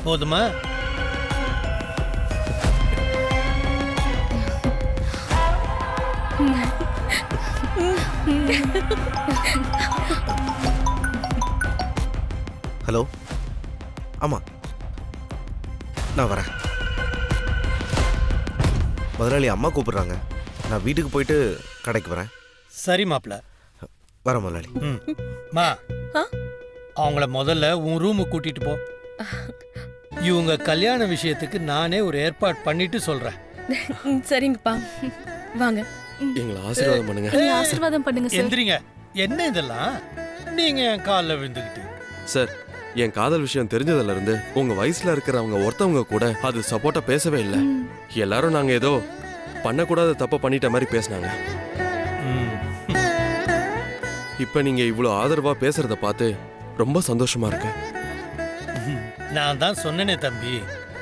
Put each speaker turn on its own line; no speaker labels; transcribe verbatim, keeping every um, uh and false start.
போதுமா?
ஹலோ, ஆமா நான் வரேன். முதலாளி அம்மா கூப்பிடுறாங்க, நான் வீட்டுக்கு போயிட்டு கடைக்கு வரேன்.
சரி மாப்பிள்ள,
வரேன் முதலாளி.
ம் மா, அவங்கள முதல்ல உன் ரூமுக்கு கூட்டிட்டு போ. இவங்க கல்யாண விஷயத்துக்கு நானே ஒரு ஏற்பாடு பண்ணிட்டு சொல்றேன்.
சரிங்கப்பா, வாங்க.
எங்களை ஆசீர்வாதம் பண்ணுங்க.
ஆசீர்வாதம் பண்ணுங்க சார்.
எந்திரிங்க. என்ன இதெல்லாம்? நீங்க என் காலில் விழுந்துக்கிட்டு.
சார், என் காதல் விஷயம் தெரிஞ்சதுல இருந்து உங்க வயசுல இருக்கிறவங்க ஒருத்தவங்க கூட அது சப்போர்ட்டா பேசவே இல்லை. எல்லாரும் நாங்க ஏதோ பண்ணக்கூடாத தப்ப பண்ணிட்ட மாதிரி பேசினாங்க. இப்ப நீங்க இவ்வளவு ஆதரவா பேசுறத பார்த்து ரொம்ப சந்தோஷமா இருக்கு.
நான் தான் சொன்னேனே தம்பி,